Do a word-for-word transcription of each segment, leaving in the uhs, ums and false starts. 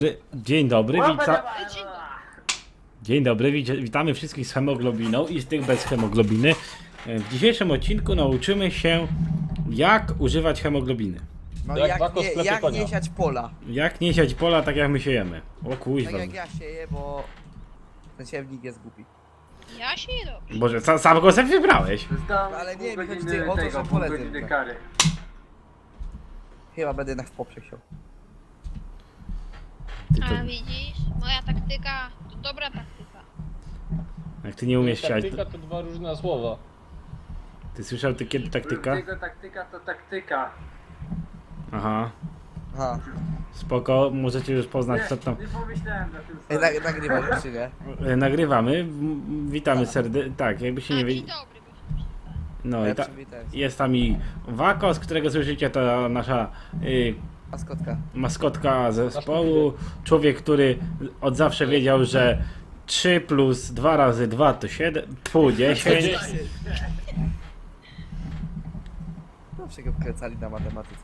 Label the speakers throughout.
Speaker 1: Dzień dobry, wita... Dzień dobry, wit- witamy wszystkich z hemoglobiną i z tych bez hemoglobiny. W dzisiejszym odcinku nauczymy się, jak używać hemoglobiny.
Speaker 2: No
Speaker 3: Jak
Speaker 2: jak,
Speaker 3: wako
Speaker 2: nie,
Speaker 3: sklepie
Speaker 2: jak
Speaker 3: konia.
Speaker 2: nie siać pola.
Speaker 1: Jak nie siać pola tak jak my siejemy. O
Speaker 2: Tak
Speaker 1: kuźwa.
Speaker 2: jak ja sieję, bo ten siewnik jest głupi.
Speaker 4: Ja się nie dobrze.
Speaker 1: Boże, sam, sam go sobie wybrałeś.
Speaker 2: No, ale nie, mi chodzi tutaj o to, że pole zerwę.
Speaker 5: kary.
Speaker 2: Chyba będę jednak w poprzek siał.
Speaker 1: Ty to,
Speaker 4: A widzisz, moja taktyka to dobra taktyka.
Speaker 1: jak ty nie umiesz siać,
Speaker 3: Taktyka
Speaker 1: to...
Speaker 3: to dwa różne słowa.
Speaker 1: Ty słyszał ty kiedy taktyka?
Speaker 5: Jego taktyka to taktyka.
Speaker 1: Aha.
Speaker 2: Aha.
Speaker 1: Spoko, możecie już poznać co tam.
Speaker 5: Nie pomyślałem na tym
Speaker 2: Ej,
Speaker 5: samym.
Speaker 2: nag nagrywasz czy nie?
Speaker 1: E, Nagrywamy, M- witamy serdecznie. Tak, jakby się
Speaker 4: A
Speaker 1: nie
Speaker 4: dzień
Speaker 1: wie...
Speaker 4: dobry, bo
Speaker 1: No
Speaker 2: Ja
Speaker 1: i ta...
Speaker 2: przywitałem się.
Speaker 1: jest tam i Wako, z którego słyszycie, to nasza y,
Speaker 2: Maskotka.
Speaker 1: maskotka zespołu, człowiek, który od zawsze wiedział, że trzy plus dwa razy dwa to siedem, pół dziesięć.
Speaker 2: Zawsze go wkręcali na matematyce.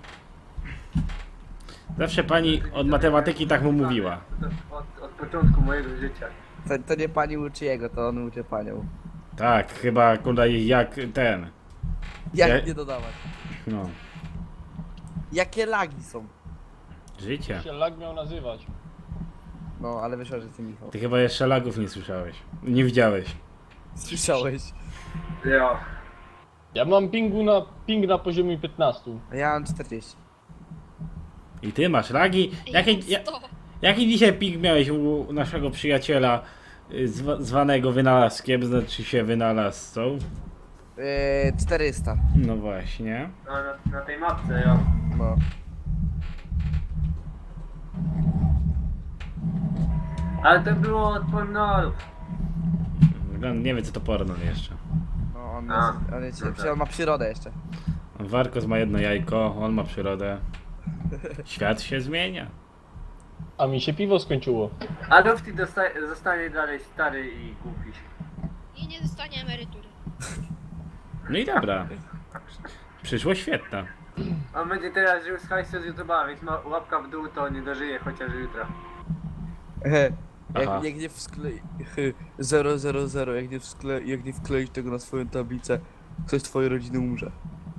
Speaker 1: Zawsze pani od matematyki tak mu mówiła.
Speaker 5: Od, od początku mojego życia.
Speaker 2: To, to nie pani uczy jego, to on uczy panią.
Speaker 1: Tak, chyba kurde jak ten.
Speaker 2: Jak
Speaker 1: Ja-
Speaker 2: nie dodawać?
Speaker 1: No,
Speaker 2: Jakie lagi są?
Speaker 1: życie.
Speaker 3: Jak się lag miał nazywać?
Speaker 2: No, ale wyszło, że ty Michał.
Speaker 1: Ty chyba jeszcze lagów nie słyszałeś. Nie widziałeś.
Speaker 2: Słyszałeś?
Speaker 5: Jo.
Speaker 3: Ja mam pingu na, ping na poziomie piętnaście.
Speaker 2: A ja mam czterdzieści.
Speaker 1: I ty masz lagi. Jaki, ja,
Speaker 4: sto.
Speaker 1: jaki dzisiaj ping miałeś u naszego przyjaciela y, zwa, zwanego wynalazkiem, znaczy się wynalazcą?
Speaker 2: Yy, czterysta.
Speaker 1: No właśnie.
Speaker 5: No, na, na tej mapce, jo.
Speaker 2: No.
Speaker 5: Ale to było od pornolów.
Speaker 1: Wygląda- Nie wiem co to porno jeszcze.
Speaker 2: No, on,
Speaker 5: A,
Speaker 2: jest, on, jest,
Speaker 5: no tak.
Speaker 2: on ma przyrodę jeszcze.
Speaker 1: Warkos ma jedno jajko, on ma przyrodę. Świat się zmienia.
Speaker 3: A mi się piwo skończyło.
Speaker 5: A Dufty dosta- zostanie dalej stary i głupi.
Speaker 4: I nie dostanie emerytury.
Speaker 1: No i dobra. Przyszłość świetna.
Speaker 5: On będzie teraz żył z hajsu z YouTube'a, więc ma łapka w dół, to nie dożyje chociaż jutro.
Speaker 1: Aha.
Speaker 2: jak, jak nie wsklei... zero zero zero, jak nie, wskle, jak nie wkleisz tego na swoją tablicę, ktoś z twojej rodziny umrze.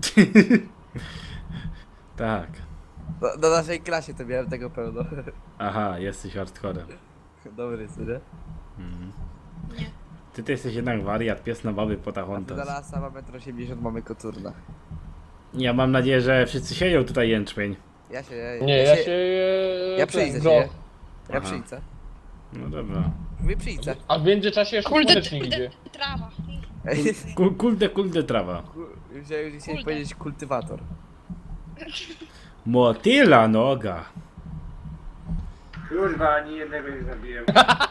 Speaker 1: Tak.
Speaker 2: Na, na naszej klasie to miałem tego pełno.
Speaker 1: Aha, jesteś hardcorem.
Speaker 2: Dobry, co nie?
Speaker 1: Mhm.
Speaker 4: Nie.
Speaker 1: Ty, ty jesteś jednak wariat, pies na baby
Speaker 2: A ty
Speaker 1: potachontas.
Speaker 2: na lasa ma metr osiemdziesiąt, mamy koturna.
Speaker 1: Ja mam nadzieję, że wszyscy sieją tutaj jęczmień.
Speaker 2: Ja się...
Speaker 3: Nie, ja się...
Speaker 2: Ja
Speaker 3: ten,
Speaker 2: przyjdę
Speaker 3: groch.
Speaker 2: się. Ja
Speaker 1: Aha.
Speaker 2: przyjdę.
Speaker 1: No dobra.
Speaker 2: Mówię przyjdę.
Speaker 3: A w międzyczasie jeszcze
Speaker 4: Kurde,
Speaker 3: słonecznik
Speaker 4: kurde,
Speaker 3: idzie.
Speaker 4: trawa.
Speaker 1: Kul, kulde, kulde trawa.
Speaker 2: Chciałem dzisiaj
Speaker 4: Kurde.
Speaker 2: powiedzieć kultywator.
Speaker 1: Motyla noga.
Speaker 5: Kurwa, ani jednego nie zabiłem.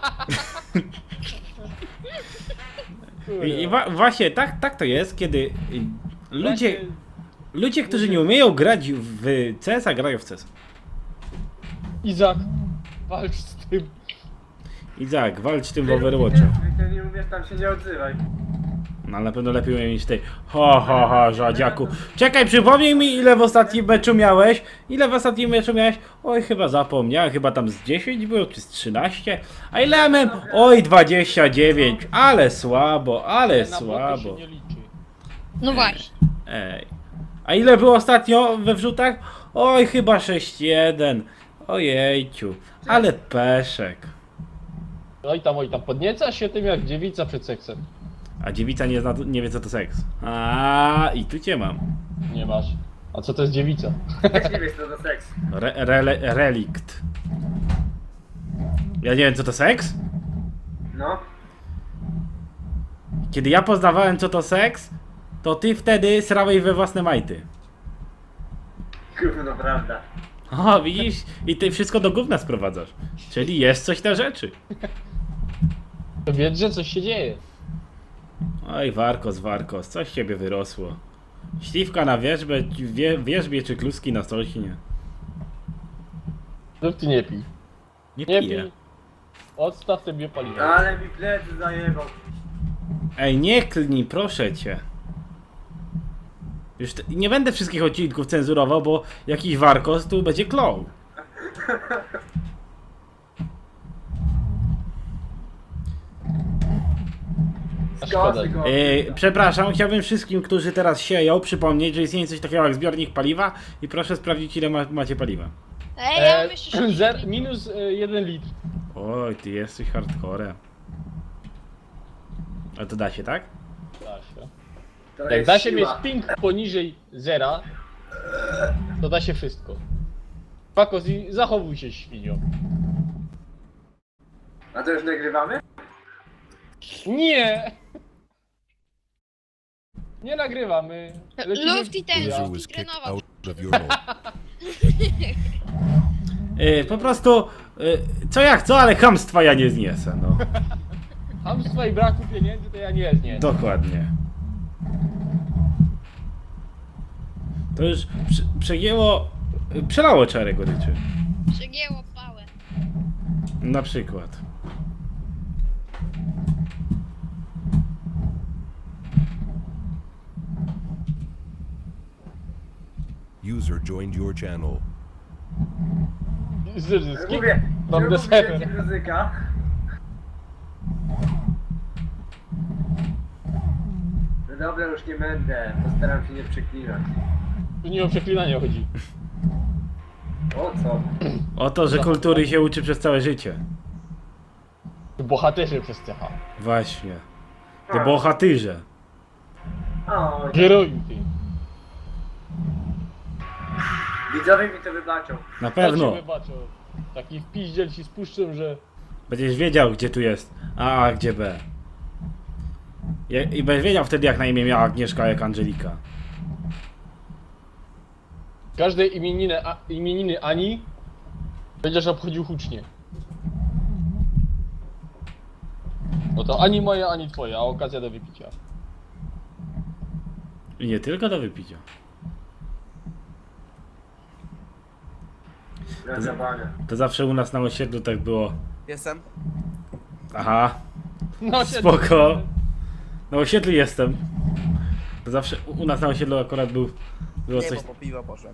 Speaker 1: I, i wa właśnie tak, tak to jest, kiedy y, ludzie,
Speaker 3: Właśnie-
Speaker 1: ludzie, którzy nie umieją grać w C S a, grają w C S.
Speaker 3: Izak, walcz z tym.
Speaker 1: Izak, walcz tym w
Speaker 5: Ty
Speaker 1: Overwatchu.
Speaker 5: nie- Ty nie umiesz, tam się nie odzywaj.
Speaker 1: No ale na pewno lepiej umiem niż ty. Ho, ho, ho, żadziaku. Czekaj, przypomnij mi ile w ostatnim meczu miałeś. Ile w ostatnim meczu miałeś? Oj, chyba zapomniałem, chyba tam z dziesięć było, czy z trzynaście. A ile miałem? Oj, dwadzieścia dziewięć. Ale słabo, ale
Speaker 3: Na boty
Speaker 1: słabo.
Speaker 3: się nie liczy.
Speaker 4: No właśnie.
Speaker 1: Ej. A ile było ostatnio we wrzutach? Oj, chyba sześć jeden. Ojejciu, ale peszek.
Speaker 3: Oj tam, oj tam, podnieca się tym jak dziewica przed seksem.
Speaker 1: A dziewica nie, zna, nie wie co to seks. A i tu cię mam.
Speaker 3: Nie masz. A co to jest dziewica?
Speaker 5: Też nie wiesz co to seks.
Speaker 1: Re, rele, relikt. Ja nie wiem co to seks?
Speaker 5: No.
Speaker 1: Kiedy ja poznawałem co to seks, to ty wtedy srałeś we własne majty.
Speaker 5: Gówno, prawda.
Speaker 1: O, widzisz? I ty wszystko do gówna sprowadzasz. Czyli jest coś na rzeczy.
Speaker 3: To wiedz, że coś się dzieje.
Speaker 1: Oj, Warkos, Warkos, coś z ciebie wyrosło. Śliwka na wierzbie, wie, wierzbie czy kluski na sośnie.
Speaker 3: Lub ty nie pij.
Speaker 1: Nie
Speaker 3: Nie
Speaker 1: piję.
Speaker 3: pij. Odstaw te biopaliwo.
Speaker 5: Ale mi plecy zajebał.
Speaker 1: Ej, nie klnij, proszę cię. Już te, nie będę wszystkich odcinków cenzurował, bo jakiś Warkos tu będzie klął.
Speaker 3: szkoda.
Speaker 5: Kosy go.
Speaker 1: Yy, przepraszam, chciałbym wszystkim, którzy teraz sieją, przypomnieć, że istnieje coś takiego jak zbiornik paliwa i proszę sprawdzić, ile ma, macie paliwa.
Speaker 4: Ej, ja mam
Speaker 3: E,
Speaker 4: jeszcze sześć
Speaker 3: zer,
Speaker 4: litrów.
Speaker 3: minus e, jeden litr.
Speaker 1: Oj, ty jesteś hardcore. A to da się, tak?
Speaker 3: Da się.
Speaker 5: To
Speaker 3: Jak
Speaker 5: jest
Speaker 3: da się mieć
Speaker 5: siła.
Speaker 3: ping poniżej zera, to da się wszystko. Pakos i zachowuj się, świnio.
Speaker 5: A to już nagrywamy?
Speaker 3: Nie! Nie nagrywamy. Lecimy
Speaker 4: Lufty
Speaker 3: w
Speaker 4: ten,
Speaker 3: chuja.
Speaker 6: User
Speaker 4: Lufty
Speaker 6: was kicked
Speaker 4: trenował.
Speaker 6: out of your home.
Speaker 1: Yy, po prostu, yy, co jak co, ale chamstwa ja nie zniesę, no.
Speaker 3: Hamstwa i braku pieniędzy to ja nie znię.
Speaker 1: Dokładnie. To już prze, przegięło, yy, przelało czarę goryczy.
Speaker 4: Przegięło pałę.
Speaker 1: Na przykład.
Speaker 6: User joined your channel.
Speaker 3: Z, z, z, z,
Speaker 5: Mówię,
Speaker 3: Mam
Speaker 5: czemu
Speaker 3: desener.
Speaker 5: mówicie muzyka? No dobra, już nie będę. Postaram się nie przeklinać.
Speaker 3: Tu nie o przeklinanie chodzi.
Speaker 5: O co?
Speaker 1: O to, że kultury się uczy przez całe życie.
Speaker 3: Bohaterzy przez C H.
Speaker 1: Właśnie. To bohatyrze.
Speaker 5: O,
Speaker 3: Heroju ty.
Speaker 5: widzowie mi to wybaczą.
Speaker 1: Na
Speaker 3: Ja
Speaker 1: pewno.
Speaker 3: cię wybaczę. Taki wpiździel ci spuszczę, że...
Speaker 1: Będziesz wiedział, gdzie tu jest A, a gdzie B. Je, I będziesz wiedział wtedy, jak na imię miała Agnieszka, jak Angelika.
Speaker 3: Każde imieniny, a, imieniny Ani będziesz obchodził hucznie. No to ani moja, ani twoja, a okazja do wypicia.
Speaker 1: I nie tylko do wypicia.
Speaker 5: Na zabawę.
Speaker 1: To zawsze u nas na osiedlu tak było.
Speaker 2: Jestem.
Speaker 1: Aha,
Speaker 3: No się
Speaker 1: spoko. Na osiedlu jestem. To zawsze u u nas na osiedlu akurat był, było
Speaker 2: Nie,
Speaker 1: coś...
Speaker 2: bo po piwa poszłem.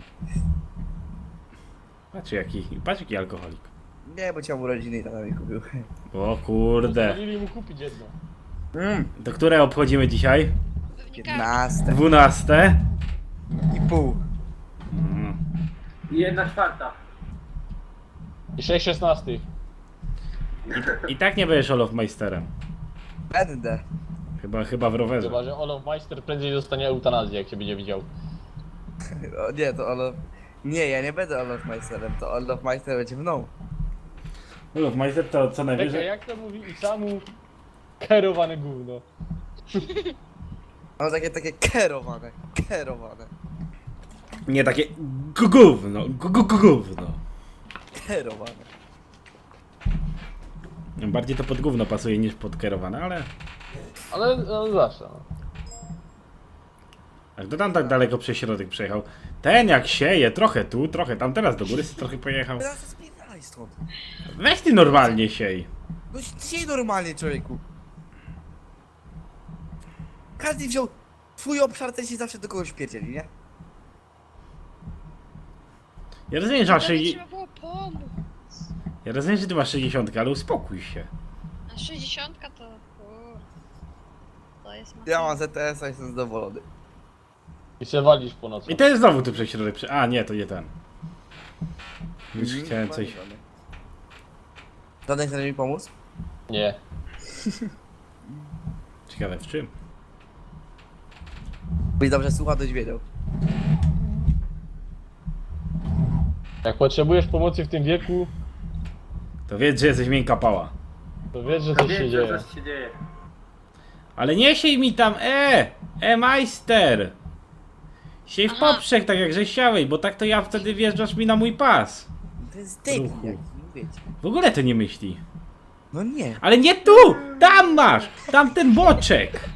Speaker 1: Patrz jaki, patrz jaki alkoholik.
Speaker 2: Nie, bo chciałem urodziny i tata mi kupił.
Speaker 1: O kurde.
Speaker 3: Pozwolili mu kupić jedno.
Speaker 2: Mm,
Speaker 1: To które obchodzimy dzisiaj?
Speaker 4: Pewnie każdy.
Speaker 2: piętnaste
Speaker 1: Dwunaste.
Speaker 2: i pół.
Speaker 1: Mm.
Speaker 5: I jedna czwarta.
Speaker 3: I sześć szesnastych.
Speaker 1: I tak nie będziesz Olofmeisterem.
Speaker 2: Będę.
Speaker 1: Chyba, chyba w rowerze.
Speaker 3: Chyba, że Olof Meister prędzej dostanie eutanazję, jak się będzie widział.
Speaker 2: O, nie, to Olof... Nie, ja nie będę Olofmeisterem, to Olofmeister będzie mną.
Speaker 1: Olofmeister to co
Speaker 3: Czekaj,
Speaker 1: najwyżej...
Speaker 3: jak to mówi Isamu? Kierowane gówno.
Speaker 2: Mam takie, takie kierowane, kierowane,
Speaker 1: Nie takie gu- gówno, gu- gu- gu- gówno.
Speaker 2: kierowane.
Speaker 1: Bardziej to pod gówno pasuje niż pod kierowane, ale...
Speaker 3: Ale no, zawsze. No.
Speaker 1: Jak to tam tak daleko przez środek przejechał. Ten jak sieje, trochę tu, trochę tam, teraz do góry sobie trochę pojechał.
Speaker 2: Teraz to spierdalaj stąd.
Speaker 1: Weź ty normalnie siej.
Speaker 2: No dzisiaj normalnie, człowieku. Każdy wziął twój obszar, ten się zawsze do kogoś pierdzieli, nie?
Speaker 1: Ja rozumiem, że masz
Speaker 4: Prawie
Speaker 1: sześćdziesiąt...
Speaker 4: trzeba było pomóc.
Speaker 1: Ja rozumiem, że ty masz sześćdziesiąt, ale uspokój się.
Speaker 4: A sześćdziesiątka to... Kur... To jest
Speaker 2: Ja
Speaker 4: masakra.
Speaker 2: mam Z T S-a, jestem zadowolony.
Speaker 3: I se walisz po nocy.
Speaker 1: I to jest znowu tu przez środek. prze- A nie, to nie ten. Już
Speaker 2: Mhm,
Speaker 1: chciałem coś...
Speaker 2: Żaden chce mi pomóc?
Speaker 3: Nie.
Speaker 1: Ciekawe w czym?
Speaker 2: Byś dobrze słucha, toś wiedział.
Speaker 3: Jak potrzebujesz pomocy w tym wieku,
Speaker 1: To wiedz, że jesteś miękka pała.
Speaker 3: to wiesz, że
Speaker 5: To
Speaker 3: coś się
Speaker 5: wiem, że
Speaker 3: dzieje.
Speaker 5: coś się dzieje.
Speaker 1: Ale nie siej mi tam, e! E, majster! Siej w
Speaker 4: Aha.
Speaker 1: poprzek, tak jak żeś siałeś, bo tak to ja wtedy wjeżdżasz mi na mój pas.
Speaker 2: To jest debil
Speaker 1: Ruchu.
Speaker 2: jakiś, wiecie.
Speaker 1: W ogóle to nie myśli.
Speaker 2: No nie.
Speaker 1: Ale nie tu! Tam masz! Tam ten boczek!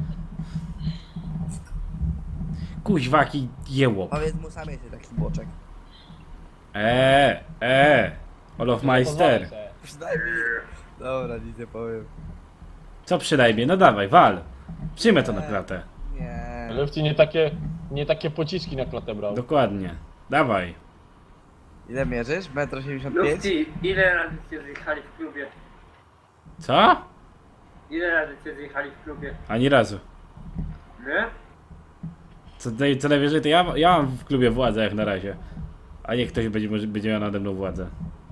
Speaker 1: Kuźwaki jełop.
Speaker 2: Powiedz mu sam jesteś taki boczek.
Speaker 1: Eee, eee. Olofmeister.
Speaker 3: Pozwolę se.
Speaker 2: Przynajmniej... Dobra, nic nie powiem.
Speaker 1: Co przynajmniej? No dawaj, wal. Przyjmę to na klatę.
Speaker 2: Nie.
Speaker 3: Lefty nie takie, nie takie pociski na klatę brał.
Speaker 1: Dokładnie. Dawaj.
Speaker 2: Ile mierzysz? metr osiemdziesiąt pięć?
Speaker 5: Lufti, ile razy się zjechali w klubie?
Speaker 1: Co?
Speaker 5: Ile razy cię zjechali w klubie?
Speaker 1: Ani razu.
Speaker 5: Nie?
Speaker 1: Co, naj- co najwyżej to ja, ja mam w klubie władzę jak na razie. A niech ktoś będzie, może- będzie miał nade mną władzę.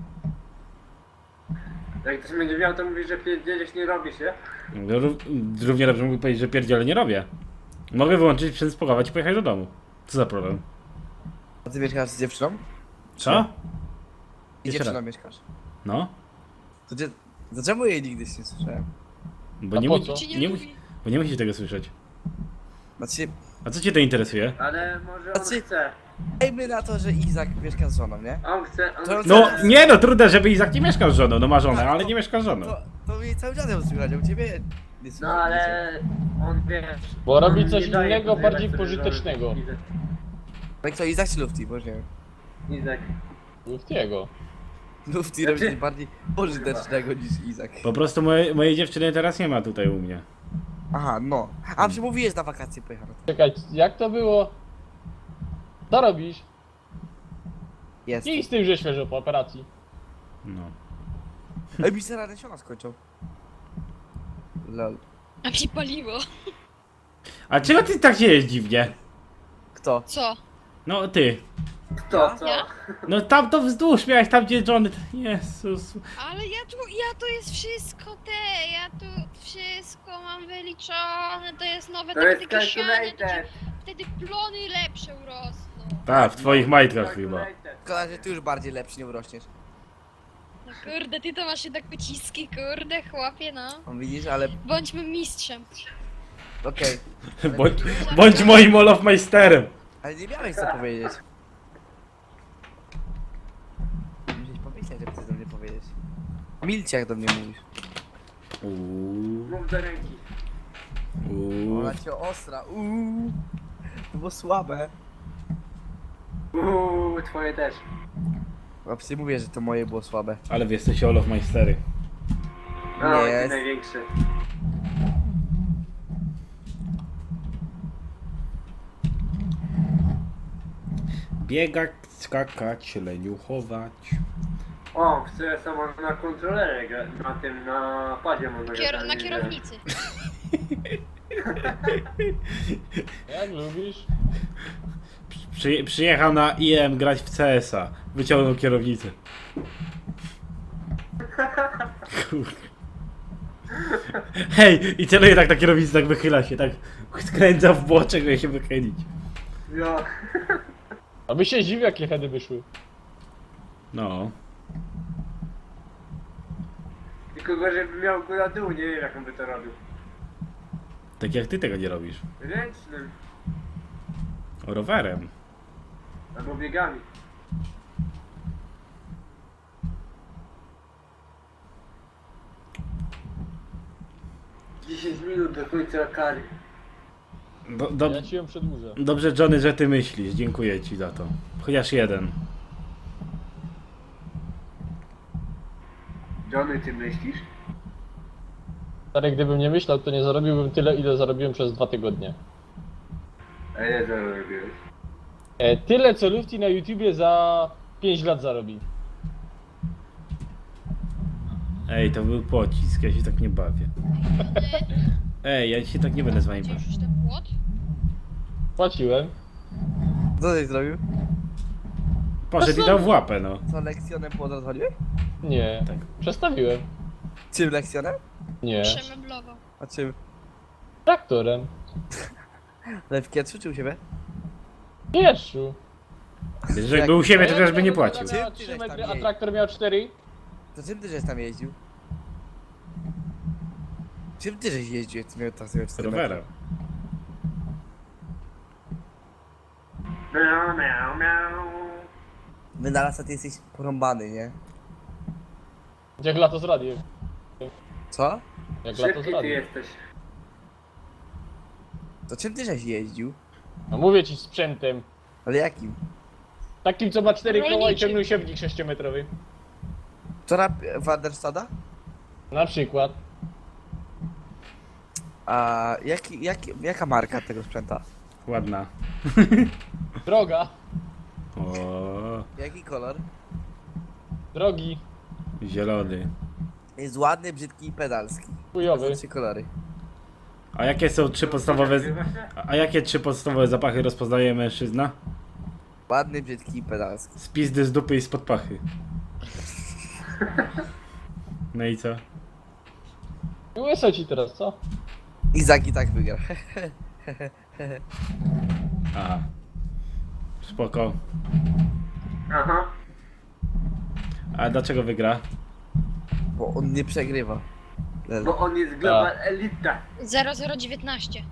Speaker 5: Jak ktoś będzie miał, to mówi, że pierdzielisz nie robi się.
Speaker 1: No, ró- Równie dobrze mógł powiedzieć, że pierdziele nie robię. Mogę wyłączyć, przespokować i pojechać do domu. Co za problem?
Speaker 2: A ty mieszkasz z dziewczyną?
Speaker 1: Co?
Speaker 2: I
Speaker 1: Jeszcze
Speaker 2: dziewczyną
Speaker 1: raz.
Speaker 2: mieszkasz.
Speaker 1: No?
Speaker 2: To gdzie... Dlaczego jej nigdy nie słyszałem?
Speaker 1: Bo
Speaker 3: A
Speaker 1: nie,
Speaker 3: po
Speaker 1: mu-
Speaker 3: co?
Speaker 4: Ci nie,
Speaker 1: nie,
Speaker 4: lubi.
Speaker 1: musi- bo nie musisz tego słyszeć.
Speaker 2: Znaczy,
Speaker 1: A co cię to interesuje?
Speaker 5: Ale może on
Speaker 2: Znaczy-
Speaker 5: chce.
Speaker 2: dajmy na to, że Izak mieszka z żoną, nie?
Speaker 5: On chce, on
Speaker 2: To-
Speaker 5: chce.
Speaker 1: No nie no, trudno, żeby Izak nie mieszkał z żoną. No ma żonę, ale nie mieszka z żoną.
Speaker 2: To, to mi cały czas ją słychać, a u ciebie nie
Speaker 5: No
Speaker 2: słychać.
Speaker 5: ale on wiesz.
Speaker 3: Bo robi
Speaker 5: on
Speaker 3: coś
Speaker 5: nie daje
Speaker 3: innego,
Speaker 5: podjechać
Speaker 3: bardziej
Speaker 5: sobie
Speaker 3: pożytecznego.
Speaker 5: żony. Izak.
Speaker 2: Tak to Izak czy Lufti, bo już nie wiem.
Speaker 5: Izak.
Speaker 3: Luftiego.
Speaker 2: Lufti robi
Speaker 5: Znaczy-
Speaker 2: coś bardziej pożytecznego niż Izak.
Speaker 1: Po prostu moje, mojej dziewczyny teraz nie ma tutaj u mnie.
Speaker 2: Aha, no. A przemówiłeś na wakacje pojechano.
Speaker 3: Czekaj, jak to było? Co robisz?
Speaker 2: Jest.
Speaker 3: Nie idź z tym, że świeżo po operacji.
Speaker 1: No.
Speaker 2: Ej, mi się się skończą. Lol.
Speaker 4: A mi paliło.
Speaker 1: A czego ty tak się jest dziwnie?
Speaker 2: Kto?
Speaker 4: Co?
Speaker 1: No ty.
Speaker 5: Kto, co?
Speaker 4: Ja?
Speaker 1: No tam to wzdłuż miałeś, tam gdzie Johnny... Jezus.
Speaker 4: Ale ja tu, ja to jest wszystko te, ja tu wszystko mam wyliczone, to jest nowe
Speaker 5: To jest
Speaker 4: taktyki siane, to ci
Speaker 5: calculated.
Speaker 4: wtedy plony lepsze urosną.
Speaker 1: Tak, w twoich majtkach chyba.
Speaker 5: Calculated.
Speaker 2: Szkoda, że ty już bardziej lepszy nie urośniesz.
Speaker 4: No kurde, ty to masz jednak pociski, kurde, chłopie, no.
Speaker 2: On widzisz, ale
Speaker 4: Bądźmy mistrzem.
Speaker 2: okej.
Speaker 1: Bądź, bądź moim Olofmeisterem.
Speaker 2: Ale nie miałeś co powiedzieć. Musisz pomyśleć, żeby coś do mnie powiedzieć. Milcie jak do mnie mówisz.
Speaker 1: Uuu,
Speaker 5: Mów do ręki.
Speaker 1: uuu.
Speaker 2: Ona cię ostra, uuu. To było słabe.
Speaker 5: Uuu, twoje też.
Speaker 2: Właśnie mówię, że to moje było słabe.
Speaker 1: Ale wy jesteście Olofmeistery.
Speaker 5: No,
Speaker 2: Nie
Speaker 5: ty
Speaker 2: jest.
Speaker 5: największy.
Speaker 1: Biegać, skakać, leniuchować.
Speaker 5: O, w C S a można na kontrolerze grać, na tym, na padzie można
Speaker 4: Kier
Speaker 5: grać.
Speaker 4: na
Speaker 5: nie
Speaker 4: kierownicy.
Speaker 3: Jak lubisz?
Speaker 1: Przy, przyjechał na I M grać w C S a. Wyciągnął kierownicę. Kurde. Hej, i celuje tak na kierownicę, tak wychyla się, tak skręca w boczek, żeby się wychylić.
Speaker 5: wiem. Ja.
Speaker 3: Aby się dziwił, jakie hedy wyszły.
Speaker 1: No.
Speaker 5: Tylko go, żeby miał góra dół, nie wiem jak on by to robił.
Speaker 1: Tak jak ty tego nie robisz.
Speaker 5: Ręcznym,
Speaker 1: Rowerem.
Speaker 5: albo biegami. dziesięć minut do końca kary.
Speaker 1: Do, do,
Speaker 3: Ja ci ją przedłużę.
Speaker 1: dobrze, Johnny, że ty myślisz. Dziękuję ci za to. Chociaż jeden.
Speaker 5: Johnny, ty myślisz?
Speaker 3: Stary, gdybym nie myślał, to nie zarobiłbym tyle, ile zarobiłem przez dwa tygodnie.
Speaker 5: A ile zarobiłeś?
Speaker 3: E, tyle, co Lufti na YouTubie za pięć lat zarobi.
Speaker 1: Ej, to był pocisk, ja się tak nie bawię. Ej, ja się tak nie będę z wami
Speaker 4: Gdzie
Speaker 1: bawił.
Speaker 4: już ten płot?
Speaker 3: Płaciłem.
Speaker 2: Co żeś zrobił?
Speaker 1: Poszedł i dał w łapę, no.
Speaker 2: Co, lekcjonem płot rozwaliłeś?
Speaker 3: Nie.
Speaker 1: Tak.
Speaker 3: Przestawiłem.
Speaker 2: Czym lekcjonem?
Speaker 3: Nie.
Speaker 4: Przemeblował.
Speaker 2: A czym?
Speaker 3: Traktorem.
Speaker 2: Ale w Kietrzu czy u siebie?
Speaker 3: Pieszu.
Speaker 1: Że był u siebie, to też by nie płacił.
Speaker 3: Miała
Speaker 2: Czym ty
Speaker 3: trzy
Speaker 2: żeś
Speaker 3: metry,
Speaker 2: tam
Speaker 3: a
Speaker 2: jej-
Speaker 3: traktor miał cztery.
Speaker 2: To czym ty żeś tam jeździł? Czym ty żeś jeździł, jak ty miał tak sobie cztery metry?
Speaker 1: Rowerem.
Speaker 5: Miau, miau, miau.
Speaker 2: Wynalazca ty jesteś porąbany, nie?
Speaker 3: Jak lato z radiem.
Speaker 2: Co?
Speaker 3: Jak lato z
Speaker 5: Szybki ty
Speaker 3: radiem.
Speaker 5: jesteś.
Speaker 2: To czym ty żeś jeździł?
Speaker 3: No mówię ci sprzętem.
Speaker 2: Ale jakim?
Speaker 3: Takim, co ma cztery koła i
Speaker 4: Rolniczym.
Speaker 3: ciągnął siewnik sześciometrowy.
Speaker 2: Tora Wanderstada?
Speaker 3: Na przykład.
Speaker 2: A jaki, jaki, jaka marka tego sprzęta?
Speaker 1: Ładna.
Speaker 3: Droga.
Speaker 1: O,
Speaker 2: Jaki kolor?
Speaker 3: Drogi.
Speaker 1: zielony.
Speaker 2: Jest ładny, brzydki i pedalski.
Speaker 3: Chujowy.
Speaker 2: To trzy kolory.
Speaker 1: A jakie są trzy podstawowe...
Speaker 5: Nagrywa się?
Speaker 1: A jakie trzy podstawowe zapachy rozpoznaje mężczyzna?
Speaker 2: Ładny, brzydki i pedalski.
Speaker 1: Z pizdy, z dupy i spod pachy. No i co?
Speaker 3: Łyso ci teraz, co?
Speaker 2: Izak i tak wygra.
Speaker 1: Aha. Spoko.
Speaker 5: Aha.
Speaker 1: A dlaczego wygra?
Speaker 2: Bo on nie przegrywa.
Speaker 5: Bo on jest global elita.
Speaker 4: zero zero dziewiętnaście.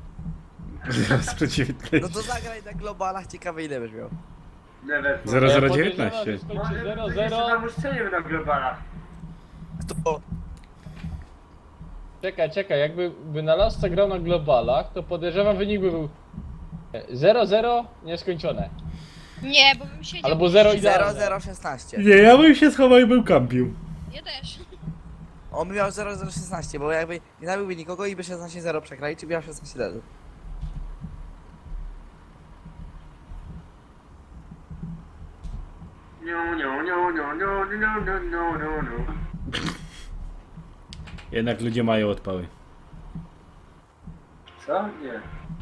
Speaker 2: No to zagraj na globalach, ciekawe ile będziesz miał.
Speaker 5: Never.
Speaker 1: Zero zero
Speaker 3: Ja
Speaker 1: dziewiętnaście.
Speaker 3: podejrzewam, że skończy
Speaker 5: Może
Speaker 3: zero
Speaker 5: my jeszcze
Speaker 3: zero.
Speaker 5: tam uszczelimy na globalach.
Speaker 2: Kto?
Speaker 3: Czekaj, czekaj, jakby wynalazca grał na globalach, to podejrzewam wynik by był zero zero nieskończone.
Speaker 4: Nie, bo bym siedział...
Speaker 3: Albo zero
Speaker 4: przy-
Speaker 3: idealne.
Speaker 2: zero zero szesnaście.
Speaker 1: Nie, ja bym się schował i był kampił.
Speaker 4: Ja też.
Speaker 2: On by miał zero zero szesnaście, bo jakby nie zabiłby nikogo i by szesnaście zero przegrali, czy by miał szesnaście zero.
Speaker 5: No, no, no, no, no, no, no, no, no, no.
Speaker 1: Jednak ludzie mają odpały.
Speaker 5: Co? Nie.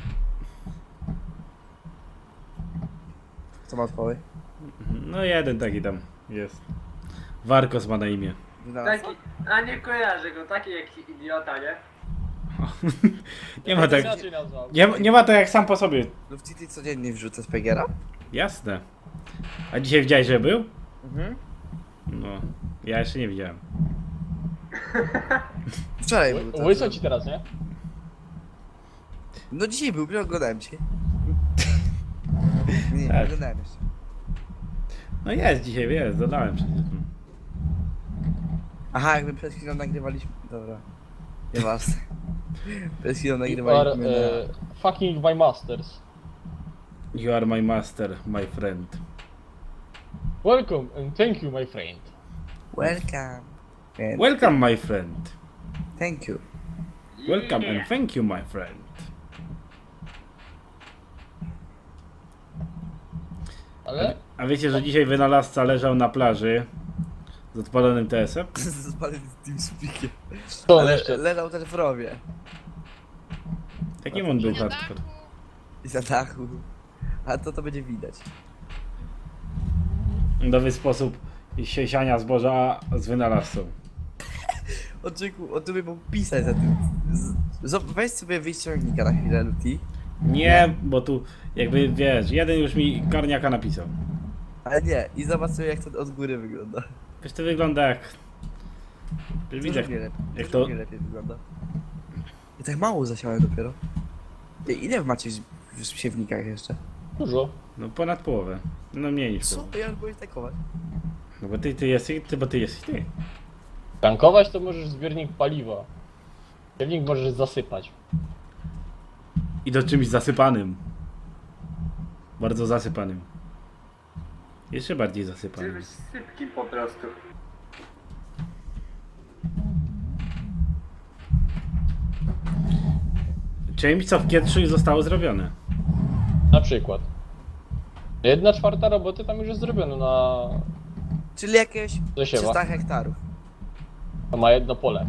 Speaker 2: Co ma odpowiedź?
Speaker 1: No jeden taki tam jest. Warkos ma na imię.
Speaker 5: Taki, a nie kojarzę go, taki jak idiota, nie?
Speaker 1: Nie ma tak...
Speaker 3: Inaczej nazwał.
Speaker 1: Nie, nie ma to jak sam po sobie.
Speaker 2: No w City codziennie wrzucę z Pegera?
Speaker 1: Jasne. A dzisiaj widziałeś, że był?
Speaker 2: Mhm.
Speaker 1: No. Ja jeszcze nie widziałem.
Speaker 2: Wczoraj był to.
Speaker 3: Łyso ci teraz, nie?
Speaker 2: No dzisiaj był, nie oglądałem cię. Nie,
Speaker 1: Tak.
Speaker 2: nie oglądałem jeszcze.
Speaker 1: No jest dzisiaj, jest, dodałem przecież.
Speaker 2: Aha, jakby przed chwilą nagrywaliśmy... Dobra. Nieważne. Przed chwilą
Speaker 3: You are
Speaker 2: nagrywaliśmy
Speaker 3: e, fucking my masters.
Speaker 1: You are my master, my friend.
Speaker 3: Welcome and thank you, my friend.
Speaker 2: na... Welcome. And
Speaker 1: Welcome, my friend.
Speaker 2: thank you.
Speaker 1: Welcome and thank you, my friend.
Speaker 3: Ale
Speaker 1: A wiecie, że dzisiaj wynalazca leżał na plaży z odpalonym T S em?
Speaker 2: Spalony z TeamSpeakiem.
Speaker 3: co on
Speaker 2: Ale
Speaker 3: jeszcze?
Speaker 2: leżał też w rowie.
Speaker 1: Jakim on był
Speaker 4: Na
Speaker 1: hardcore?
Speaker 4: dachu.
Speaker 2: I za dachu. A to to będzie widać.
Speaker 1: Nowy sposób siesiania zboża z wynalazcą.
Speaker 2: Oczekuj, on tu by mógł pisać za tym. Z- z- Weź sobie wyjść z ciągnika na chwilę, Luti.
Speaker 1: Nie, bo tu jakby wiesz, jeden już mi karniaka napisał.
Speaker 2: Ale nie, i zobacz sobie jak to od góry wygląda.
Speaker 1: Wiesz, to wygląda jak... Widzę,
Speaker 2: Dużo mnie lepiej,
Speaker 1: jak
Speaker 2: dużo
Speaker 1: to...
Speaker 2: mnie lepiej wygląda. Ja tak mało zasiałem dopiero. Ty, ile macie w w siewnikach jeszcze?
Speaker 3: Dużo.
Speaker 1: No ponad połowę. No mniej niż
Speaker 2: Co?
Speaker 1: połowę.
Speaker 2: Ja już byłem takować.
Speaker 1: No bo ty, ty jesteś, ty, bo ty jesteś ty.
Speaker 3: Tankować to możesz zbiornik paliwa. Zbiornik możesz zasypać.
Speaker 1: I to czymś zasypanym. Bardzo zasypanym. Jeszcze bardziej zasypanym.
Speaker 5: Czymś sypkim po prostu.
Speaker 1: Czymś, co w Kietrzu już zostało zrobione.
Speaker 3: Na przykład. Jedna czwarta roboty tam już jest zrobiona na...
Speaker 2: Czyli jakieś
Speaker 3: Zasiewa.
Speaker 2: trzysta hektarów.
Speaker 3: To ma jedno pole.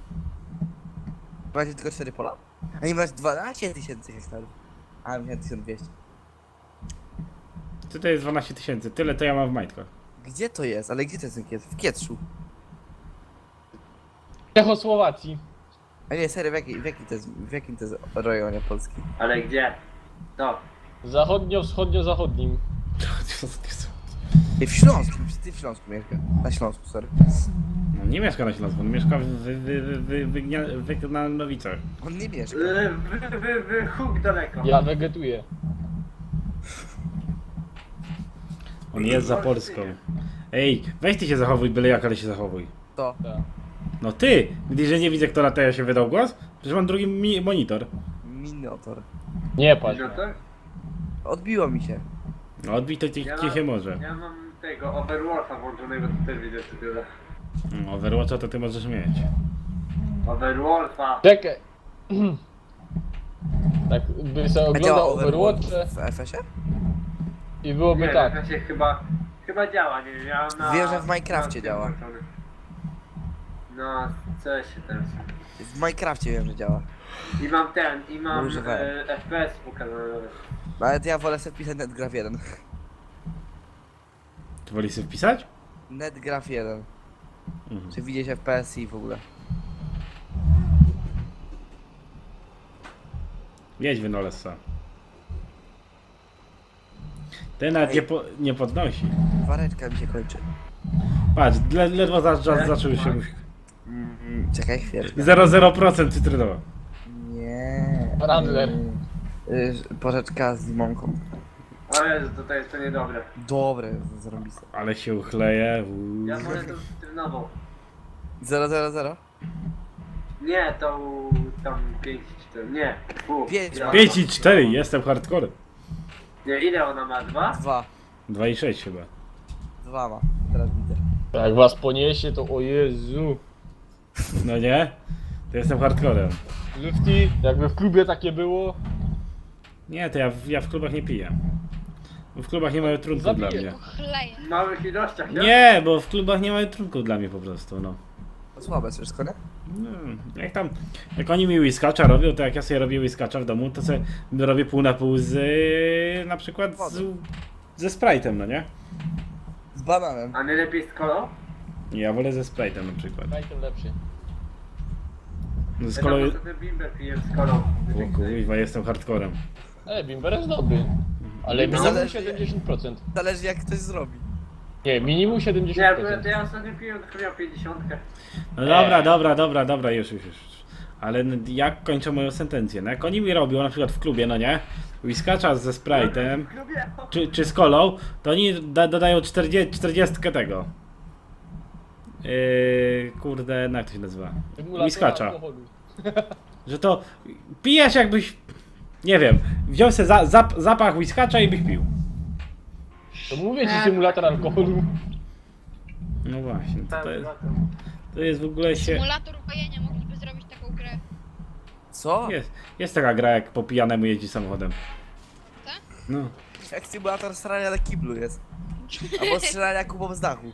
Speaker 2: Macie tylko cztery pola? A nie masz dwanaście tysięcy hektarów. A, miałem tysiąc dwieście.
Speaker 1: Tutaj jest dwanaście tysięcy. Tyle to ja mam w majtkach.
Speaker 2: Gdzie to jest? Ale gdzie to jest ten Kiet? W Kietrzu.
Speaker 3: W Czechosłowacji.
Speaker 2: A nie, serio, w, jakiej, w, jakim to jest, w jakim to jest rejonie Polski?
Speaker 5: Ale gdzie? To.
Speaker 3: Zachodnio-wschodnio-zachodnim.
Speaker 2: Ty w Śląsku, ty w Śląsku mieszka. Na Śląsku, sorry.
Speaker 1: No nie mieszka na Śląsku, on mieszka w wy, wy, wy, wy, wygnia- Wygnanowicach.
Speaker 2: On nie mieszka.
Speaker 5: Wy, wy, wy, wy huk daleko.
Speaker 3: Ja wegetuję.
Speaker 1: On jest za Polską. Ej, weź ty się zachowuj, byle jak, ale się zachowuj.
Speaker 2: To.
Speaker 3: Tak.
Speaker 1: No ty! Gdy że nie widzę, kto na teja się wydał głos? Przecież mam drugi mi monitor.
Speaker 2: Minotor.
Speaker 3: Nie patrz.
Speaker 5: No to?
Speaker 2: Odbiło mi się.
Speaker 1: No odbij to ci,
Speaker 5: Ja
Speaker 1: ci
Speaker 5: mam-
Speaker 1: się może.
Speaker 5: Ja mam tego Overwatcha włączonego, to też widzę co tyle.
Speaker 1: No, Overwatcha to ty możesz mieć.
Speaker 5: Overwatcha.
Speaker 3: Czekaj. Tak, by sobie
Speaker 2: A działa
Speaker 3: oglądał
Speaker 2: Overwatch
Speaker 3: Overwatch
Speaker 2: w F S ie?
Speaker 3: i byłoby
Speaker 5: Nie,
Speaker 3: tak.
Speaker 5: tak. Chyba, chyba działa, nie wiem, ja mam na...
Speaker 2: Wiem, że w Minecrafcie
Speaker 5: na tym
Speaker 2: działa.
Speaker 5: włączony. No, co się teraz...
Speaker 2: W Minecrafcie wiem, że działa.
Speaker 5: I mam ten, i mam
Speaker 2: Używałem.
Speaker 5: e, F P S pokazane.
Speaker 2: No, ale ja wolę sobie pisać NetGraph jeden.
Speaker 1: Ty wolisz sobie wpisać?
Speaker 2: NetGraph jeden.
Speaker 1: Mhm.
Speaker 2: Czy widzieć F P S i w ogóle.
Speaker 1: Jedź wynolesa. Ten nawet nie, po, nie podnosi.
Speaker 2: Wareczka mi się kończy.
Speaker 1: Patrz, le, ledwo za, za, zaczął się...
Speaker 2: Mm, czekaj chwilę.
Speaker 1: zero przecinek zero procent cytrynowa.
Speaker 2: Nie.
Speaker 3: Randler.
Speaker 2: Y, Porzeczka z limonką.
Speaker 5: O Jezu, to, to jest to niedobre.
Speaker 2: Dobre, zrobiste.
Speaker 1: Ale się uchleje. uuu.
Speaker 5: Ja wolę tą cytrynową.
Speaker 2: zero zero zero?
Speaker 5: Nie, tą tam pięć cztery, nie. Fu,
Speaker 2: Pięć
Speaker 5: ile
Speaker 2: ma.
Speaker 5: ona
Speaker 1: pięć i cztery, jestem hardcore.
Speaker 5: Nie, ile ona ma? Dwa?
Speaker 2: Dwa.
Speaker 1: dwa i sześć chyba.
Speaker 2: Dwa ma. Teraz widzę.
Speaker 3: Jak was poniesie, to o Jezu.
Speaker 1: No nie? To jestem hardcorem.
Speaker 3: Lufty, jakby w klubie takie było,
Speaker 1: Nie, to ja, w- ja w klubach nie piję. Bo w klubach nie mają trunków
Speaker 3: Zabiję.
Speaker 1: dla mnie.
Speaker 4: Chleję.
Speaker 5: W małych ilościach, nie?
Speaker 1: Nie, bo w klubach nie mają trunków dla mnie po prostu, no.
Speaker 2: To słabe wszystko, nie?
Speaker 1: No, jak tam, jak oni mi whiskacza robią, to jak ja sobie robię whiskacza w domu, to sobie robię pół na pół z, yy, na przykład z, ze Sprite'em, no nie?
Speaker 2: Z bananem.
Speaker 5: A najlepiej z kolą?
Speaker 1: Ja wolę ze Sprite'em na przykład.
Speaker 3: daj tym lepszy.
Speaker 1: Z
Speaker 5: Ja
Speaker 1: kolei...
Speaker 5: tam sobie bimber piję z kolą.
Speaker 1: O kurwa, jestem hardcorem.
Speaker 3: E, Bimber jest dobry. Ale
Speaker 2: Bimber
Speaker 3: minimum
Speaker 2: zależy-
Speaker 3: siedemdziesiąt procent.
Speaker 2: Zależy jak ktoś zrobi.
Speaker 3: Nie, minimum
Speaker 5: Nie,
Speaker 3: siedemdziesiąt
Speaker 5: bo
Speaker 3: procent.
Speaker 5: to ja ostatnio piłem, to miał pięćdziesiątkę.
Speaker 1: No dobra, dobra, dobra, dobra, już, już, już. Ale n- jak kończę moją sentencję? No jak oni mi robią, na przykład w klubie, no nie? Whiskacza ze Sprite'em,
Speaker 5: Lubię.
Speaker 1: czy, czy z kolą, to oni da, dodają czterdzieści, czterdzieści tego. Yy, kurde, no jak to się nazywa?
Speaker 3: Symulator
Speaker 1: Whiskacza.
Speaker 3: alkoholu.
Speaker 1: Że to pijesz jakbyś, nie wiem, wziął sobie za, zap, zapach whiskacza i byś pił.
Speaker 3: To mówię ci symulator alkoholu.
Speaker 1: No właśnie, to, to, jest, to jest w ogóle się...
Speaker 4: Symulator upojenia, mogliby zrobić taką grę.
Speaker 2: Co?
Speaker 1: Jest, jest taka gra, jak po pijanemu jeździ samochodem.
Speaker 4: Tak?
Speaker 1: No.
Speaker 2: Jak symulator strzelania na kiblu jest. Albo strzelania kubą z dachu.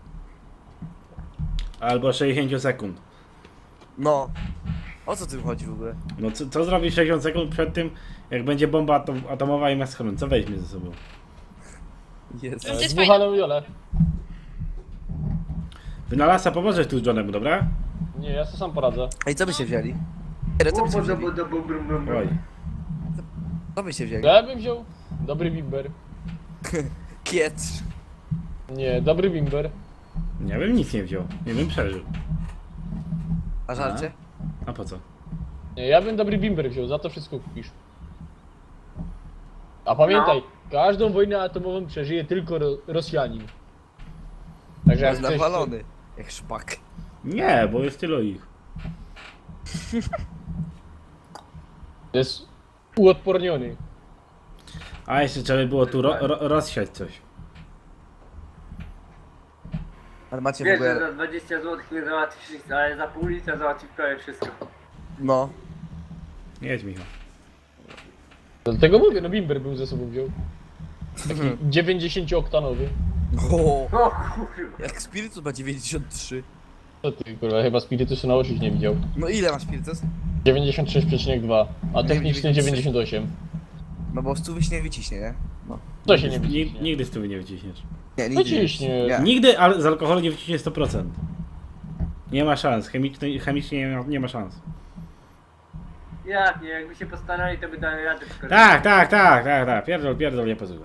Speaker 1: Albo sześćdziesiąt sekund.
Speaker 2: No. O co tym chodzi w ogóle?
Speaker 1: No co, co zrobisz sześćdziesiąt sekund przed tym, jak będzie bomba atom, atomowa i ma schron? Co weźmie ze sobą?
Speaker 2: Jest.
Speaker 4: To jest
Speaker 3: Dmuchaną Jolę.
Speaker 1: Wynalazca, pomożesz tu Johnemu, dobra?
Speaker 3: Nie, ja sobie sam poradzę.
Speaker 2: Ej, co byście wzięli? Ej, co byście
Speaker 5: Bo,
Speaker 2: wzięli?
Speaker 5: bo, bo, bo, brum, brum, brum.
Speaker 1: Oj.
Speaker 2: Co byście wzięli?
Speaker 3: Ja bym wziął dobry Bimber.
Speaker 2: Kiecz.
Speaker 3: Nie, dobry Bimber.
Speaker 1: Ja bym nic nie wziął. Nie bym przeżył.
Speaker 2: A żarcie?
Speaker 1: A po co?
Speaker 3: Nie, ja bym dobry Bimber wziął, za to wszystko kupisz. A pamiętaj, każdą wojnę atomową przeżyje tylko ro Rosjanin. Także jak
Speaker 2: Jest
Speaker 3: chcesz,
Speaker 2: nawalony. Jak szpak.
Speaker 1: Nie, bo jest tylu ich.
Speaker 3: to jest uodporniony.
Speaker 1: A jeszcze trzeba by było tu ro ro rozsiać coś.
Speaker 2: Ale macie w
Speaker 5: Wiesz, że
Speaker 2: ogóle...
Speaker 5: za dwadzieścia złotych nie załatwisz nic, ale za pół litra załatwisz prawie wszystko.
Speaker 2: No.
Speaker 1: Jedź, Michał.
Speaker 3: Dlatego mówię, no Bimber bym ze sobą wziął. Taki dziewięćdziesięciooktanowy.
Speaker 2: O,
Speaker 5: O kurwa.
Speaker 2: jak Spiritus ma dziewięćdziesiąt trzy.
Speaker 3: Co ty, kurwa, chyba Spirituszu na oczy nie widział.
Speaker 2: No ile ma Spiritus?
Speaker 3: dziewięćdziesiąt sześć przecinek dwa, a technicznie dziewięćdziesiąt osiem.
Speaker 2: No bo stu się nie wyciśnie, nie? No.
Speaker 3: To się nie
Speaker 1: Nigdy,
Speaker 3: wyciśnie.
Speaker 1: nigdy z tyłu nie wyciśniesz.
Speaker 2: Nie, nigdy nie.
Speaker 3: Wyciśnie.
Speaker 2: Nie.
Speaker 1: Nigdy ale z alkoholu nie wyciśnie sto procent. Nie ma szans. Chemicznie, chemicznie nie ma, nie ma szans.
Speaker 5: Jak nie, jakby się postarali, to by dali radę tylko.
Speaker 1: Tak, tak, tak, tak, tak. Pierdol, pierdol, nie pozwolę.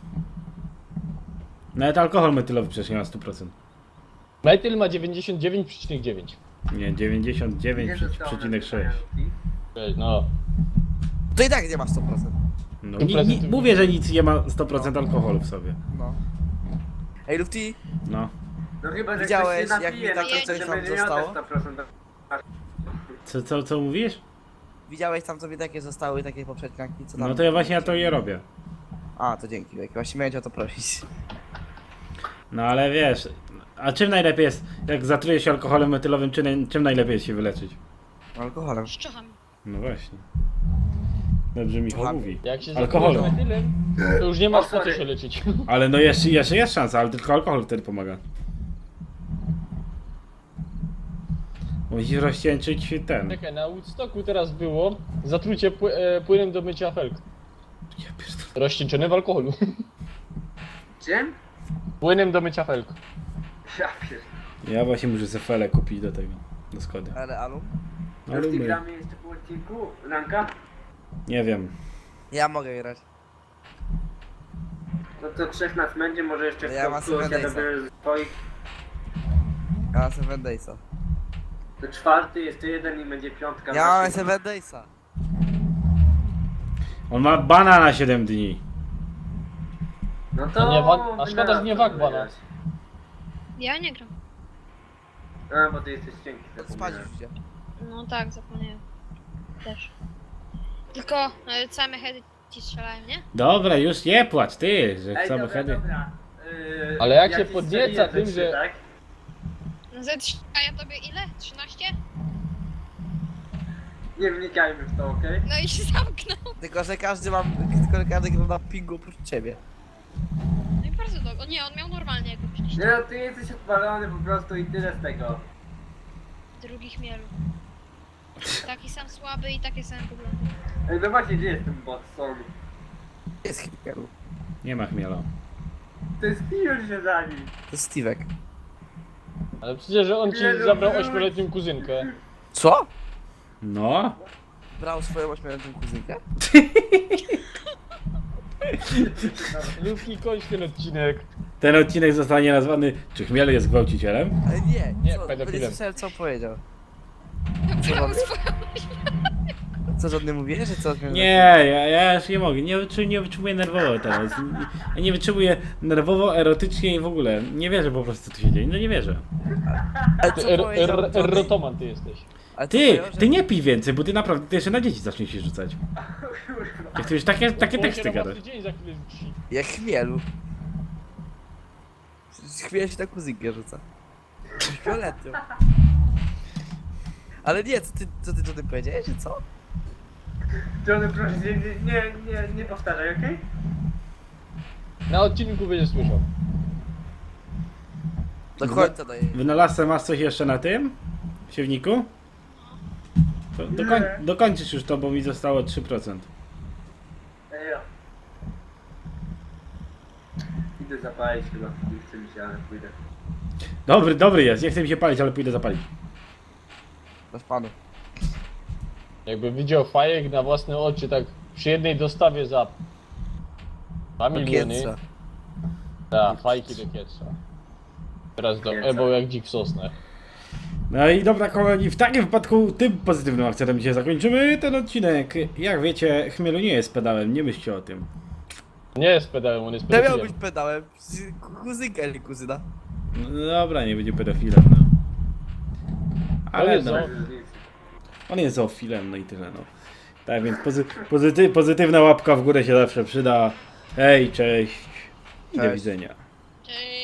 Speaker 1: Nawet alkohol metylowy przecież nie ma sto procent.
Speaker 3: Metyl ma dziewięćdziesiąt dziewięć przecinek dziewięć.
Speaker 1: Nie, dziewięćdziesiąt dziewięć
Speaker 5: Nie zostało
Speaker 1: przecinek sześć.
Speaker 5: napisane.
Speaker 3: No.
Speaker 2: To i tak nie ma sto procent.
Speaker 1: No, ni, ni, mówię, że nic nie ma sto procent alkoholu w sobie.
Speaker 2: No. Ej, Lufty,
Speaker 1: No.
Speaker 5: No chyba, że
Speaker 2: Widziałeś,
Speaker 5: ktoś się
Speaker 2: jak
Speaker 5: napije,
Speaker 2: mi
Speaker 5: no
Speaker 2: takie
Speaker 5: to
Speaker 2: coś
Speaker 5: będzie
Speaker 2: tam
Speaker 5: miał te
Speaker 2: zostało?
Speaker 5: sto procent.
Speaker 1: Co, co, co mówisz?
Speaker 2: widziałeś tam sobie takie zostały, takie poprzedniaki, co tam?
Speaker 1: No to ja właśnie ja to je robię.
Speaker 2: A, to dzięki, jak właśnie miałem cię o to prosić.
Speaker 1: No ale wiesz, a czym najlepiej jest, jak zatruje się alkoholem metylowym, czym, czym najlepiej jest się wyleczyć?
Speaker 2: Alkoholem.
Speaker 4: Szczuchami.
Speaker 1: No właśnie. Dobrze Michał
Speaker 2: Kocham.
Speaker 1: mówi.
Speaker 3: Jak się
Speaker 1: Alkoholem.
Speaker 3: zatrujesz metylem, to już nie masz
Speaker 5: O,
Speaker 3: po co
Speaker 5: sorry.
Speaker 3: się leczyć.
Speaker 1: Ale no jeszcze, jeszcze jest szansa, ale tylko alkohol wtedy pomaga. Musisz rozcieńczyć ten.
Speaker 3: Czekaj, na Woodstocku teraz było zatrucie pły e, płynem do mycia felk.
Speaker 1: Ja pierdolę.
Speaker 3: Rozcieńczone w alkoholu.
Speaker 5: Czym?
Speaker 3: Płynem do mycia felk.
Speaker 5: Ja pierdolę.
Speaker 1: Ja właśnie muszę sobie felę kupić do tego. Do Skody.
Speaker 2: Ale Alu?
Speaker 1: No
Speaker 5: Już ty
Speaker 1: lubię.
Speaker 5: gramy jeszcze po odcinku? Ranka?
Speaker 1: Nie wiem.
Speaker 2: Ja mogę grać.
Speaker 5: No to trzech nas będzie, może jeszcze
Speaker 2: Ja mam
Speaker 5: w kogoś
Speaker 2: Seven
Speaker 5: ja
Speaker 2: Daysa.
Speaker 5: dobierę z twoich.
Speaker 2: Ja mam Seven Daysa.
Speaker 5: To czwarty, jeszcze jeden i będzie piątka.
Speaker 2: Ja mam
Speaker 5: Właśnie.
Speaker 2: Seven Daysa.
Speaker 1: On ma bana na siedem dni.
Speaker 5: No to...
Speaker 3: A nie wag- a szkoda, że nie
Speaker 5: wynalazł,
Speaker 3: wagbana.
Speaker 5: wiesz.
Speaker 4: Ja nie gram.
Speaker 5: A, bo ty jesteś cienki.
Speaker 2: Spać
Speaker 5: zapomniałem.
Speaker 2: już idzie.
Speaker 4: No tak, zapomniałem. Też. Tylko e, same heady ci strzelają, nie?
Speaker 1: Dobra, już nie płacz ty, że
Speaker 5: Ej,
Speaker 1: chcemy
Speaker 5: dobra,
Speaker 1: hedy.
Speaker 5: dobra. Yy,
Speaker 3: Ale jak się
Speaker 5: ci
Speaker 3: podnieca
Speaker 5: strzeliłem
Speaker 3: tym,
Speaker 5: ze
Speaker 3: że-
Speaker 5: trzy, tak?
Speaker 4: No ze trzy, a ja tobie ile? trzynaście?
Speaker 5: Nie wnikajmy w to, okej?
Speaker 4: No i się zamknął.
Speaker 2: Tylko, że każdy mam, tylko, że każdy gra na pingu oprócz ciebie.
Speaker 4: No i bardzo dobrze. O nie, on miał normalnie jak
Speaker 5: Nie
Speaker 4: myśliście.
Speaker 5: no, ty jesteś odpalony po prostu i tyle z tego.
Speaker 4: Drugi chmielu. Taki sam słaby i takie same problemy.
Speaker 5: Ej, no właśnie, gdzie jest ten Watson?
Speaker 2: Jest Hipielu.
Speaker 1: Nie ma chmiela.
Speaker 5: To jest Steven się za nim.
Speaker 2: To jest Steve'ek.
Speaker 3: Ale przecież że on ci
Speaker 5: Nie, no,
Speaker 3: zabrał
Speaker 5: no.
Speaker 3: ośmioletnią kuzynkę.
Speaker 2: Co?
Speaker 1: No.
Speaker 2: Brał swoją ośmioletnią kuzynkę?
Speaker 3: Luki, kończ ten odcinek.
Speaker 1: Ten odcinek zostanie nazwany Czy chmiel jest gwałcicielem?
Speaker 2: Ale nie,
Speaker 3: Nie,
Speaker 2: co,
Speaker 3: pedofilem.
Speaker 2: nie słyszałem co on powiedział.
Speaker 4: Brał swoją...
Speaker 2: Co żadny mówiłeś, że co?
Speaker 1: Nie, ja, ja już nie mogę. Nie, wyczu, nie wytrzymuję nerwowo teraz. Ja nie wytrzymuję nerwowo, erotycznie i w ogóle. Nie wierzę po prostu co tu się dzieje. No nie wierzę.
Speaker 2: Ale
Speaker 3: Ty
Speaker 2: co
Speaker 3: er,
Speaker 2: powiedział
Speaker 3: er,
Speaker 2: Johnny?
Speaker 3: erotoman ty jesteś.
Speaker 2: Ale co
Speaker 1: Ty,
Speaker 2: powiedział, że-
Speaker 1: ty nie pij więcej, bo ty naprawdę ty jeszcze na dzieci zaczniesz się rzucać. Jak ty już takie, takie
Speaker 3: Bo
Speaker 1: teksty
Speaker 3: się na
Speaker 1: gadasz.
Speaker 3: własny dzień za chwilę rzuci.
Speaker 2: Jak chmielu. Chmiel się na kuzynkę rzuca. Fioletnią. Ale nie, co ty, co ty, co ty powiedziałeś, że co?
Speaker 5: Johnny, proszę, nie, nie, nie, nie powtarzaj, okej?
Speaker 3: Na odcinku będziesz słyszał.
Speaker 2: Do końca daję.
Speaker 1: Wynalazcę masz coś jeszcze na tym? W siewniku? To dokoń,
Speaker 5: Nie.
Speaker 1: dokończysz już to, bo mi zostało trzy procent.
Speaker 5: Ej, ja. Idę zapalić chyba, nie chce mi się, ale pójdę.
Speaker 1: Dobry, dobry jest. Nie chcę mi się palić, ale pójdę zapalić.
Speaker 2: Bez panu.
Speaker 3: Jakby widział fajek na własne oczy tak przy jednej dostawie za dwa
Speaker 2: Do
Speaker 3: miliony.
Speaker 2: kietrza.
Speaker 3: Tak, fajki do kietrza. Teraz do
Speaker 5: Kietrza.
Speaker 3: Ebo jak dzik w sosnach.
Speaker 1: No i dobra kochani, w takim wypadku tym pozytywnym akcentem dzisiaj zakończymy ten odcinek. Jak wiecie, chmielu nie jest pedałem, nie myślcie o tym.
Speaker 3: Nie jest pedałem, on jest
Speaker 2: Ja miał
Speaker 3: pedofilem.
Speaker 2: być pedałem. Kuzynka, nie kuzyna.
Speaker 1: No dobra, nie będzie pedofilem, no. Ale
Speaker 3: jest
Speaker 1: no,
Speaker 3: zo-
Speaker 1: on jest zoofilem, no i tyle, no. Tak więc pozy pozyty pozytywna łapka w górę się zawsze przyda. Hej, cześć i do
Speaker 2: Cześć.
Speaker 1: widzenia.
Speaker 4: Cześć.